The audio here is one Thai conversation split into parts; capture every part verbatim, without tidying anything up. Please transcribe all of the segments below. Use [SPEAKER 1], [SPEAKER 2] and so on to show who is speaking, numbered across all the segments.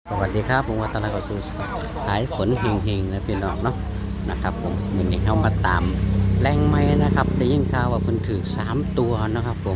[SPEAKER 1] สวัสดีครับผมวัตนากสุสายฝนเฮงๆนะพี่น้องเนาะนะครับผมวันนี้เข้ามาตามแรงไม้นะครับได้ยินข่าวว่าเพิ่นถือสามตัวนะครับผม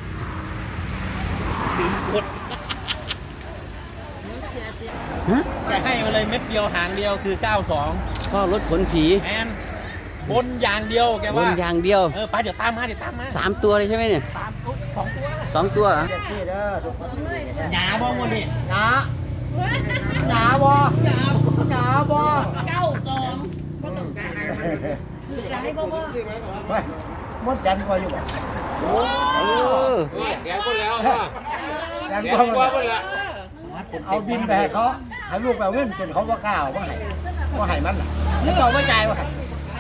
[SPEAKER 1] ฮะ
[SPEAKER 2] จะให้มาเลยเม็ดเดียวหางเดียวคือเก้าสอง
[SPEAKER 1] ก็รถขนผี
[SPEAKER 2] แอนบนอย่างเดียวแกว่า
[SPEAKER 1] บนอย่างเดียว
[SPEAKER 2] เออไปเดี๋ยวตามมาเดี๋ยวตามมา
[SPEAKER 1] สามตัวเลยใช่ไหมเนี่ย
[SPEAKER 2] ตามสองตัว
[SPEAKER 1] สองตัวเหรอ
[SPEAKER 2] หยาบ้องวันนี้
[SPEAKER 3] หยาหยาบ่หยาหยาบ่
[SPEAKER 4] เก้าสองก็ต้องการจะให้บ่บ่
[SPEAKER 3] ไปมดแสนกว่าอยู่บ่
[SPEAKER 1] เออ
[SPEAKER 5] เสียคนแล้วพ่อ
[SPEAKER 3] แสน
[SPEAKER 5] เสีย
[SPEAKER 3] กว่า
[SPEAKER 5] คน
[SPEAKER 3] หมด
[SPEAKER 5] คนละ
[SPEAKER 3] เอาบินไปให้เขาให้ลูกไปเอาเงินจนเขาบ่กล้าเอาบ่ให้บ่ให้มันล่ะแล้วเขาบ่จ่ายบ่ให้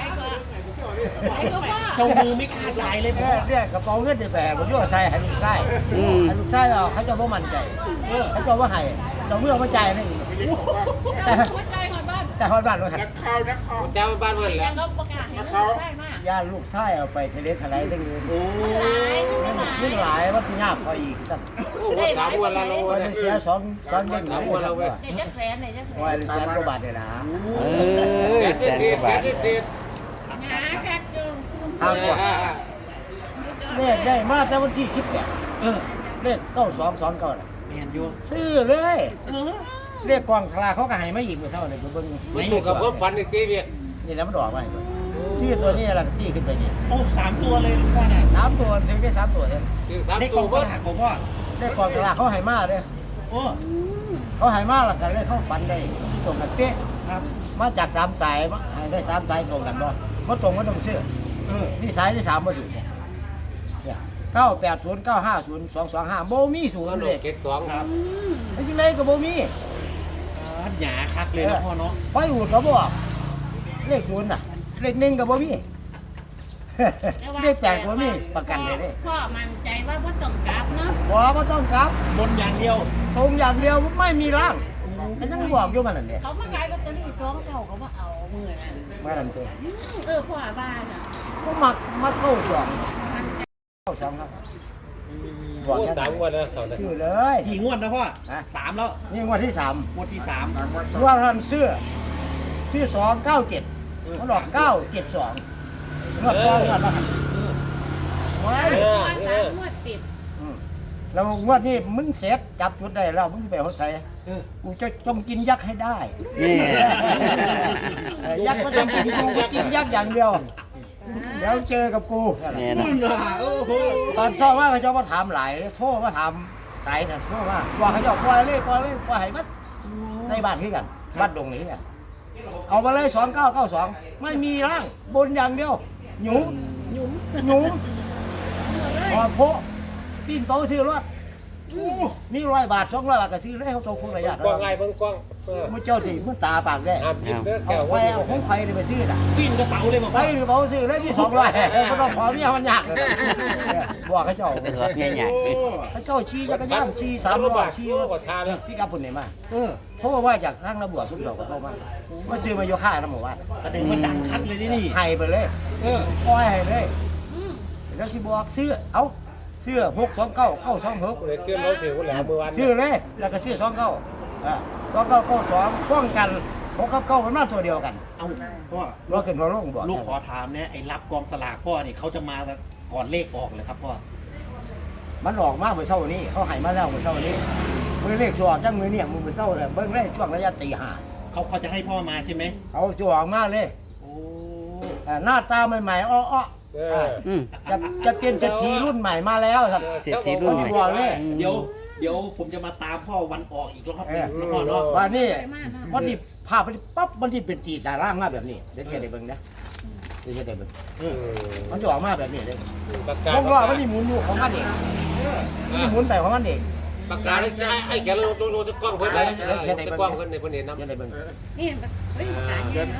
[SPEAKER 2] เจ้ามือไม่กล้าจ่ายเลยพ่อ
[SPEAKER 3] เรียกกระเป๋าเงินเดี๋ยวไปให้บ่อยู่ใส่ให้ลูกชายให้ลูกชายเอาเขาจะบ่มั่นใจเออเขาจะบ่ให้เจ้ามือบ่จ่ายนี่แต่แต่ฮอดบ้านบ่ให้
[SPEAKER 5] เจ้าบ้านเมืองแล้ว
[SPEAKER 4] เราประกาศให้เขาได้มาก
[SPEAKER 3] ย่าลูกชายเอาไปทะเลทลายทั้งอื่นโอ้
[SPEAKER 4] หลาย
[SPEAKER 3] ยหลายว่าสิยากพออีกซั่น
[SPEAKER 5] สามวันละโล
[SPEAKER 3] มัน
[SPEAKER 5] เนี่ย
[SPEAKER 3] เสียสองสองเล่มเลยครับว่า
[SPEAKER 4] ในจักแสนในจักแสน
[SPEAKER 3] ว่าแสนกว่าบาทเลยนะ
[SPEAKER 1] เออแสนกว่าบาท
[SPEAKER 5] เสีย
[SPEAKER 4] หาแค่จึง
[SPEAKER 3] ห้ากว่าเลขได้มาแต่วันที่สิบเนี่ย
[SPEAKER 2] เออ
[SPEAKER 3] เลขเก้าสองสองเก้าน่ะ
[SPEAKER 2] แมนอยู่
[SPEAKER 3] ซื้อเลย
[SPEAKER 2] เออ
[SPEAKER 3] เลขกองคลาเขาก็ให้มาอีกเมื่อเช้าเนี่ยเบิ่ง
[SPEAKER 5] ไม่ถูกกับผมฝันอีกทีเดียว
[SPEAKER 3] นี่แล้วมันดอกไปซื้อตัวนี้ละซื้อขึ้นไปนี่
[SPEAKER 2] โอ้สามตัวเลยพ่อน่ะ
[SPEAKER 3] สามตัวถึงได้สามตัวเนี่ย
[SPEAKER 5] ถึงสาม
[SPEAKER 2] ได้ก
[SPEAKER 5] ตั
[SPEAKER 2] อ
[SPEAKER 5] ว
[SPEAKER 2] งส
[SPEAKER 5] ก็
[SPEAKER 2] ลากของพ่อ
[SPEAKER 3] เลขกองคลาเขาให้มาเลย
[SPEAKER 2] โอ้
[SPEAKER 3] เขาให้มาแล้วกันเลยเขาฝันได้ตรงกันเป๊ะ
[SPEAKER 2] ครับ
[SPEAKER 3] มาจากสามสายมาให้ได้สามสายตรงกันบ่บ่ตรงก็ต้องซื้อ
[SPEAKER 2] เออ
[SPEAKER 3] นี่สายที่สามบ่ถูกเนี่ยเก้าแปดศูนย์เก้าห้าศูนย์สองสองห้าโบมีศูน
[SPEAKER 5] ก็
[SPEAKER 3] ย์
[SPEAKER 5] หล
[SPEAKER 3] เลย
[SPEAKER 5] เก็บสอง
[SPEAKER 2] ครับ
[SPEAKER 3] จริงๆเลยก็โบมี
[SPEAKER 2] หยาคักเลยนะพ่อเนาะ
[SPEAKER 3] ไฟอูดก็บอกเลขศูนย์น่ะ เลขหนึ่งก็บ่มี เลขแปดก็บ่มีประกันเลยเด้
[SPEAKER 4] พ่อมั่นใจว่าบ่ต้องกลับเนาะ
[SPEAKER 3] บ่บ่ต้องกลับบ
[SPEAKER 2] นอย่างเดียว
[SPEAKER 3] ตรงอย่างเดียวไม่มีร่างแต่ยังบอกอยู่มันนั่นแหละ
[SPEAKER 4] เขามาขายลอตเตอรี่สองเก้าเขาบ่เอามือนั่น
[SPEAKER 3] มาดันตัว
[SPEAKER 4] เออพ่อบ้านอ่ะ
[SPEAKER 3] ก็มักมักเข้าสอง
[SPEAKER 4] มันใจ
[SPEAKER 3] เข้าสองครับบอก
[SPEAKER 5] โอ้
[SPEAKER 3] แค่
[SPEAKER 5] สามวันแล้วเขา
[SPEAKER 3] ชื่อเลย
[SPEAKER 2] กี่งวดนะพ่อ
[SPEAKER 3] ฮะ
[SPEAKER 2] สามแล้ว
[SPEAKER 3] นี่งวดที่สาม
[SPEAKER 2] งวดที่สาม
[SPEAKER 3] งวดทันเสื้อชื่อสองเก้าเจ็ดเขาหลอกเก้าเจ็ดสองงวดก่อนงวดละไว้
[SPEAKER 4] ตัวสามงวดติด
[SPEAKER 3] อืมแล้วงวดนี้มึงเสร็จจับจุดได้แล้วมึงจะไปหัวใส่
[SPEAKER 2] เออ
[SPEAKER 3] กูจะต้องกินยักษ์ให้ได้
[SPEAKER 1] นี่
[SPEAKER 3] เออยักษ์ก็ต้องกินกูก็กินยักษ์อย่างเดียวเดี๋ยวเจอกับกู
[SPEAKER 1] เนี่ยนะ
[SPEAKER 2] นั่นน่ะโอ้โห
[SPEAKER 3] ตอนเช้าว่าเขาเจ้ามาถามหลายโทรมาถามสายนะโทรมาว่าเขาเจ้าปล่อยเลยปล่อยเลยปล่อยให้มัดในบ้านคือกันบ้านดงนี้กันเอามาเลยสองเก้าเก้าสองไม่มีร่างบนอย่างเดียวหยุมหยุมหยุมพอโพปีนเป้าซื้อรถนี่ร้อยบาทสองร้อยบาทก็ซื้อเลยเขาตรงคุณระยะ
[SPEAKER 5] กว้างไงเพิ่งกว้าง
[SPEAKER 3] มันเจ้าสิมันตาปากได้
[SPEAKER 5] ห้ามยิงเด้อ
[SPEAKER 3] เอา
[SPEAKER 5] แก้ว
[SPEAKER 3] ไฟเอาของไฟเลยไปซื้อน่ะ
[SPEAKER 2] ปิ้นกระเป๋าเลยบอก
[SPEAKER 3] ไป
[SPEAKER 2] พ่อ
[SPEAKER 3] หรือเปล่าซื้อเลยที่สองร้อยก็ต้องขอเมียมันยากเลยบอกเขาเจ้า
[SPEAKER 1] ก็ถือว่าง่าย
[SPEAKER 3] เขาเจ้าชี้จักรยานชี้สามล้อชี้
[SPEAKER 5] กว่าทาเลย
[SPEAKER 3] พี่กับปุ่นไหนมา
[SPEAKER 2] เออ
[SPEAKER 3] เพราะว่าจากทางระบวสุดดอกก็เข้ามามาซื้อมาโยค่าน้ำหมู่บ้าน
[SPEAKER 2] แสดงว่าดังคักเลยนี่นี่
[SPEAKER 3] ให้ไปเลย
[SPEAKER 2] เออ
[SPEAKER 3] ปล่อยให้เลยแล้วสิบอกซื้อเอาซื้อหกสองเก้าเก้าสองหก
[SPEAKER 5] เลยเชื่อมเราถือว่าแหลมเมื่อวาน
[SPEAKER 3] ซื้อเลยแล้วก็ซื้อสองเก้าสองเก้าเก้าสองป้องกันหกกับเก้ามันมาตัวเดียวกัน
[SPEAKER 2] เอาพ่อ
[SPEAKER 3] เราขึ้นเราลงบอก
[SPEAKER 2] ลูกขอถามเนี่ยไอ้รับกองสลากพ่อนี่เขาจะมาก่อนเลขออกเลยครับพ่อ
[SPEAKER 3] มันออกมาเมื่อเช้านี้เขาให้มาแล้วเมื่อเช้านี้มือเลขชัวจังมือเนี่ยมือเช้าเลยเบิ้งเลยช่วงระยะตีห้า
[SPEAKER 2] เขาเขาจะให้พ่อมาใช่ไหม
[SPEAKER 3] เอาชัวออกมาเลย
[SPEAKER 2] โอ้
[SPEAKER 3] อ่าหน้าตาใหม่ๆอ้อ
[SPEAKER 5] เอ
[SPEAKER 3] ๆอ่า
[SPEAKER 5] อ
[SPEAKER 1] ๆอืม
[SPEAKER 3] จะจะเป็นเศรษฐีรุ่นใหม่มาแล้วครับ
[SPEAKER 1] เศรษฐีรุ่นใหม่
[SPEAKER 3] บอกเลย
[SPEAKER 2] เดี๋ยวเดี๋ยวผมจะมาตามพ่อวันออกอีกรอบหนึงนะพ่อเนาะ
[SPEAKER 3] ว่านี่วันนี้ภาพมันปั๊บมันที่เป็นตีตาร่างมาแบบนี้เดี๋ยวเชื่อได้เบิ้งนะเดี๋ยวเชื่อได้เบิ้ง
[SPEAKER 2] เออ
[SPEAKER 3] มันจะออกมาแบบนี้เลย
[SPEAKER 5] ประกาศ
[SPEAKER 3] ต้องรอมันนี่หมุนอยู่ของมันเองมันนี่หมุนไปของมันเอง
[SPEAKER 5] ประกาศให้ไอ้แกเราเราเราจะกล้องเพิ่นเลยจะกล้องเพิ่นในเพิ่นเห็นน้ำ
[SPEAKER 3] เชื่อได้เบิ้ง
[SPEAKER 4] นี่เฮ้ยประกาศแล้ว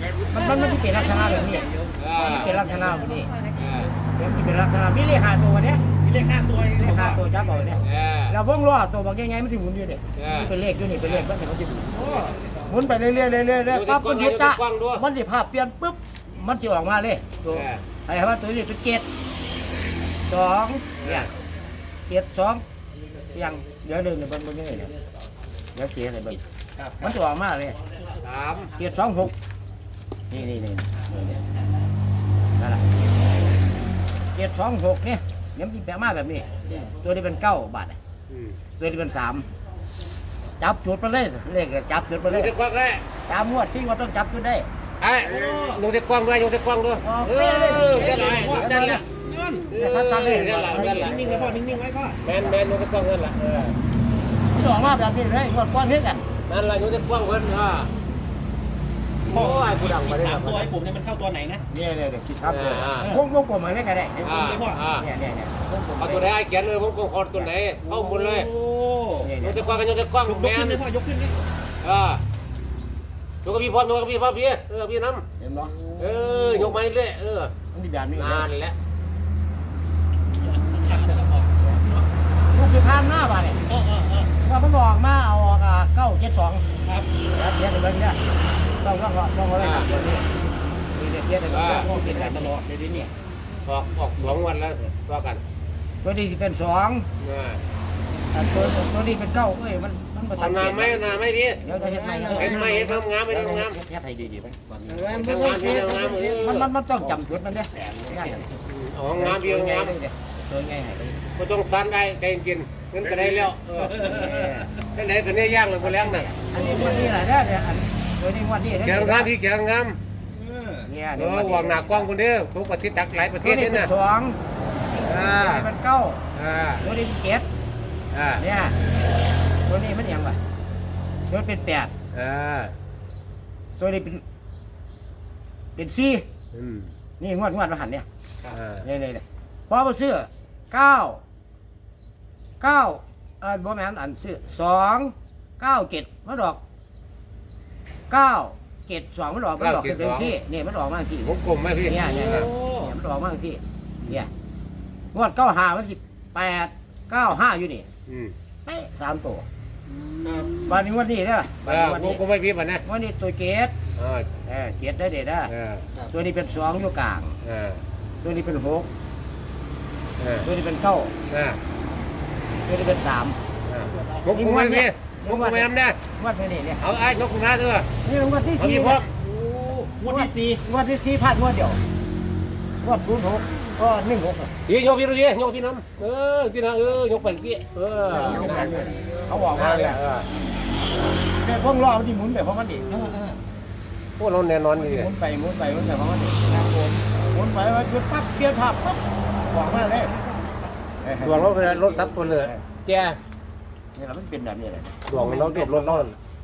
[SPEAKER 3] มันมันมันที่เป็นลักษณะแบบนี้
[SPEAKER 5] อ่า
[SPEAKER 3] มันเป็นลักษณะแบบนี้
[SPEAKER 5] อ่า
[SPEAKER 3] เดี๋ยวที่เป็นลักษณะมีเลขห้าตัวเนี้ย
[SPEAKER 2] มีเลขห้าตัวเอง
[SPEAKER 3] เลข
[SPEAKER 2] พ่
[SPEAKER 3] ห้า
[SPEAKER 2] อ
[SPEAKER 3] ตัวจับเอาเนี่ย
[SPEAKER 5] อ่า
[SPEAKER 3] แล้ววงล้อตัวบอกยังไงมันถึงหมุนอยู่เนี่ยนี่เป็นเลขอยู่นี่เป็นเลขก็จะเขาจะหมุน
[SPEAKER 2] โอ้
[SPEAKER 3] หมุนไปเรื่อยๆเรื่อยๆเรื่อยๆปั๊บมันหยุดจ้ะมันจะภาพเปลี่ยนปุ๊บมันจะออกมาเลยตัวไอ้ว่าตัวนี้ตัวเจ็ดสองเนี่ยเจ็ดสองยังเดี๋ยวหนึ่งเนี่ยมันมันยังไงเนี่ยเดี๋ยวเกียร์อะไรเบิ่ง
[SPEAKER 2] ครับค
[SPEAKER 3] มั
[SPEAKER 2] รั
[SPEAKER 3] น
[SPEAKER 2] บ
[SPEAKER 3] จะออกมาเลย
[SPEAKER 5] สาม
[SPEAKER 3] เกียร์สองหกนี่นี่นี่นี่นั่นแหละเกียร์สองหกเนี่ยเดี๋ยวมันจะแปลมาแบบนี้ ตัวนี้เป็นเก้าบาท
[SPEAKER 5] อืม
[SPEAKER 3] ตัวนี้เป็นสามจับจุดไปเลยเลขจับจุดไป
[SPEAKER 5] ล
[SPEAKER 3] เล
[SPEAKER 5] ง
[SPEAKER 3] ย
[SPEAKER 5] ตะกว้างได้
[SPEAKER 3] ตามงวดที่ว่าต้องจับจุดได้
[SPEAKER 5] ไอ้ลงตะกว้างด้วยลงตะกว้างด้วยเออเจ้าหน่อยจันละ
[SPEAKER 2] เงิน
[SPEAKER 5] เออเจ้าหน่อยเจ้าหน่อย
[SPEAKER 2] นิ่งๆไว้พ่อนิ่งๆไว้พ่อ
[SPEAKER 5] แมนแมนลงตะกว้างเงินละเออ
[SPEAKER 3] ที่ออกมาแบบนี้เลยงวดก้อนนี้กัน
[SPEAKER 5] นั่นละลงตะกว้างเงินอ่า
[SPEAKER 2] พ่อ
[SPEAKER 5] โอ้ยผู้ดังมาได้
[SPEAKER 2] สามตัวไอ้ผมเนี่ยมันเข้าตัวไหนนะ
[SPEAKER 3] เนี่ยเนี่ยเดี๋ยวคิดครับเลยวงวงกลมอะไรก็ได้
[SPEAKER 5] อ่าอ่า
[SPEAKER 3] เนี่ยเนี่ยเนี่ยวงกลม
[SPEAKER 5] เอาตัวไหนไอ้เขียนเลยผมก็ขอตัวไหนเข้าหมดเลย
[SPEAKER 2] โอ้
[SPEAKER 3] เนี่ย
[SPEAKER 5] ล
[SPEAKER 3] เนี่
[SPEAKER 5] ง
[SPEAKER 3] ย
[SPEAKER 5] ตะกว้างกันลงตะกว้าง
[SPEAKER 2] ยก
[SPEAKER 5] แม
[SPEAKER 2] ขึ้
[SPEAKER 5] น
[SPEAKER 2] นเลยพ่อยกขึ้นเลย
[SPEAKER 5] อ่ายกกับพี่พร้อมยกกับพี่พร้อมพี่เออพี่น้
[SPEAKER 3] เห็นบ่
[SPEAKER 5] ำเออยกไม้เลยเออ
[SPEAKER 3] มันมีแบบนี้
[SPEAKER 5] นานแล้ว
[SPEAKER 2] ขัดแต่ละพ่อ
[SPEAKER 3] ลูกสิบพันหน้าบาทเนี่ย
[SPEAKER 2] เออเออเออ
[SPEAKER 3] ว่ามันออกมาเอาออกเก้าเจ็ดสอง
[SPEAKER 2] ครับ
[SPEAKER 3] เทียบกันเนี่ยต้องต้องต้องเอาไว้ครับนี่เนี่ยเทียบกัน
[SPEAKER 2] พ่อเปลี่ยนกันตลอดเลยดิเนี่ย
[SPEAKER 5] ออกออกสองวันแล้วว่ากัน
[SPEAKER 3] ตัวนี้สิเป็นสอง
[SPEAKER 5] นะ
[SPEAKER 3] ตัวตัวนี้เป็นเก้าเอ้ยมันมันประสา
[SPEAKER 5] ทำนาไหมนาไหมพี่
[SPEAKER 3] เดี๋ยวเดี๋ยวเห็นไหม
[SPEAKER 5] เห็นไหมเห็นทำงามไม่ทำงาม
[SPEAKER 3] เทียบให้ดีๆไป
[SPEAKER 5] ทำงามพี่ทำงามเออ
[SPEAKER 3] มันมันมันต้องจำจุดมันเนี่ยได้
[SPEAKER 5] อ๋องามพี่งาม
[SPEAKER 3] ตัวไงให้
[SPEAKER 5] ก็ต้องซันได้ใจกินเงินก็ได้แล้วเออกันไหนกันเนี่ยย่างเลยคนแรงน่ะ
[SPEAKER 3] อันนี้วันนี้แหละเนี่ยอันตัวนี้วันนี้
[SPEAKER 5] แข็งงามพี่แข็งงาม
[SPEAKER 3] เนี่ย
[SPEAKER 5] เออวางหน้ากว้างคนเดียวทุกประเทศจักหลายประเท
[SPEAKER 3] ตัว
[SPEAKER 5] ศ
[SPEAKER 3] นี้
[SPEAKER 5] นี่
[SPEAKER 3] เป็น
[SPEAKER 5] น่ะ
[SPEAKER 3] สอง
[SPEAKER 5] อ่า
[SPEAKER 3] ตัวนี้เป็นเก้า
[SPEAKER 5] อ่า
[SPEAKER 3] ตัวนี้เป็นเจ็ด
[SPEAKER 5] อ่า
[SPEAKER 3] เนี่ยตัวนี้มันยังไงตัวนี้เป็นแปด
[SPEAKER 5] อ่า
[SPEAKER 3] ตัวนี้เป็นเป็นสี่
[SPEAKER 5] อืม
[SPEAKER 3] นี่งวดงวดมาหันเนี่ย
[SPEAKER 5] อ่า
[SPEAKER 3] นี่นี่นี่พอมาซื้อเก้าเก้าเออบ่แม่นอันซื้อสองเก้าเจ็ดมันดอกเก้าเจ็ดสองมันดอกมันดอกเป็นที่นี่มันดอกมาที่
[SPEAKER 5] วงกลมไหมพี่
[SPEAKER 3] เนี่ยเนี่ยเนี่ยมันดอกมาที่เนี่ยงวดเก้าห้ามันสิแปดเก้าห้าอยู่นี่
[SPEAKER 5] อืม
[SPEAKER 3] เป๊ะสามตัว
[SPEAKER 2] ครับ
[SPEAKER 3] วันนี้งวันนี้เด้อวัน
[SPEAKER 5] อ่า
[SPEAKER 3] นี้วัน
[SPEAKER 5] ว
[SPEAKER 3] นี้
[SPEAKER 5] งกลมไม่พี่ป่ะนะ
[SPEAKER 3] วันนี้ตัวเกต
[SPEAKER 5] อ่า
[SPEAKER 3] เออเกตได้เด็ดนะ
[SPEAKER 5] อ่า
[SPEAKER 3] ตัวนี้เป็นสองอยู่กลาง
[SPEAKER 5] อ่า
[SPEAKER 3] ตัวนี้เป็นหก
[SPEAKER 5] อ่า
[SPEAKER 3] ตัวนี้เป็นเก้า
[SPEAKER 5] อ่า
[SPEAKER 3] ตัวนี้เป็นสาม
[SPEAKER 5] วงกลมไม่พี่วงกลมไม่ทำได้
[SPEAKER 3] งวดนี้เนี่ย
[SPEAKER 5] เอาไอ้นกขุนมาเถอะ
[SPEAKER 3] นี่งวดที่
[SPEAKER 5] เอา
[SPEAKER 3] สี่
[SPEAKER 5] พี่พร้อม
[SPEAKER 2] โอ้งวดที่สี่
[SPEAKER 3] งวดที่สี่พลาดงวดเดียวงวดศูนย์หกก็หนึ่งหก
[SPEAKER 5] พี่ยกพี่ดูพี่ยกพี่น้ำเออที่นั่นเออยกไปพี่เออ
[SPEAKER 3] เขาบอกว่าเนี่ยแต่พวกล้อมันที่หมุนไปเพราะมันดิ
[SPEAKER 2] เออเออ
[SPEAKER 5] พวกเราแน่นอน
[SPEAKER 3] ห
[SPEAKER 5] นี่
[SPEAKER 3] มุนไปหมุนไปหมุนไปเพราะมันดิหมุนไปว่าจุดปั๊บเปลี่ยนภาพปั๊บบอกมาเลย
[SPEAKER 5] ดวงเราเป็นรถทับตัวเลยแก
[SPEAKER 3] นี่เราไม่เป็นแบบนี้เลย
[SPEAKER 5] ดวงเราเก็บรถเรา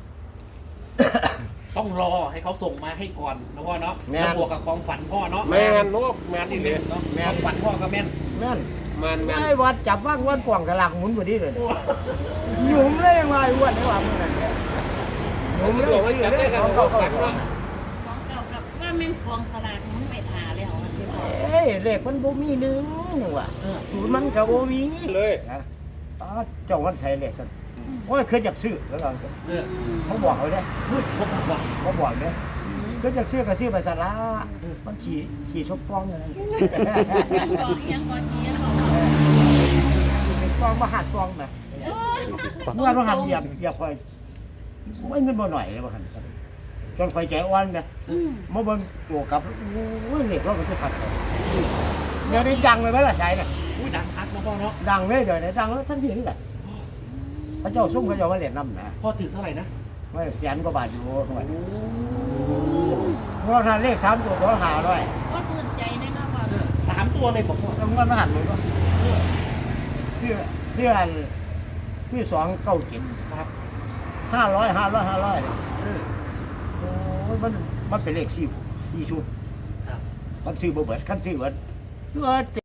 [SPEAKER 2] ต้องรอให้เขาส่งมาให้ก่อนนะพ่อเนาะแล้วบวกกับความฝันพ่อเนาะ
[SPEAKER 5] แมนนกแมนนี่เลย
[SPEAKER 2] เนาะความฝันพ่อก็แม่น
[SPEAKER 3] แม่น
[SPEAKER 5] แมนแมน
[SPEAKER 3] ไอ้วัดจับว่างวันกว่างกระลังหมุนพอดีเลยหยุ่มเลยยังไงวันนี้ว่าเมื่อไหร่เนี่ยหยุ่มเลยซื้อเลยสองเก้าเก้าสอง
[SPEAKER 4] ของเก่ากับว่าแม่งกองสลากมันไปหาแล้วอะสิพ่อ
[SPEAKER 3] เอ้ยเลขมันบ่มีหนึ่งว่ะศูนย์มันก็บ่มี
[SPEAKER 5] เลย
[SPEAKER 3] นะอ๋อเจ้ามันใส่เลขกันโอ้ยเคยอยากซื้อแล้วก็
[SPEAKER 2] เออ
[SPEAKER 3] เขาบอกเขาเนี่ย
[SPEAKER 2] พูดผมบอก
[SPEAKER 3] เขาบอกเนี่ยเคยอยากซื้อก็ซื้อไปสาระมันขี่ขี่ชกป้องอะไร
[SPEAKER 4] กองเอียงกองเอียงบอก
[SPEAKER 3] เป็นป้องมาหัดป้องนะเมื่อเราหันเหยียบเหยียบคอยไม่เงินบ่หน่อยเลยบ่หันจนคอยใจอ่อนเนี่ย
[SPEAKER 4] อืม
[SPEAKER 3] มาเบิ่งตัวกับโอ้ยเหล็กเราก็จะขัดเดี๋ยวนี้ดังเลยไหมล่ะใจเนี่ย
[SPEAKER 2] อุ้ยดังคักนะพ่อเนาะ
[SPEAKER 3] ดังเลยเดี๋ยวนี้ดังแล้วท่านพี่นี่แหละพระเจ้าซุ่มพระเจ้ามาเล่นน้ำนะ
[SPEAKER 2] พ่อถือเท่าไหร่นะ
[SPEAKER 3] ไม่แสนกว่าบาทอยู่หน่วยเพราะท่านเลขสามตัวตัวหาด้วย
[SPEAKER 4] ก็ตื่นใจในหน้าว่า
[SPEAKER 2] สามตัวเลยผมพ่อ
[SPEAKER 3] แล้วมันมาหันเลยว่าเสื้อเสื้ออันเสื้อสองเก้าเจ็ด
[SPEAKER 2] ครับ
[SPEAKER 3] ห้าร้อยห้าร้อยห้าร้อย
[SPEAKER 2] เออ
[SPEAKER 3] โอ้ยมันมันเป็นเลขสี่สี่ชุด
[SPEAKER 2] ครับ
[SPEAKER 3] มันซื้อบ่เบิดคันซื้อเบิดเบิด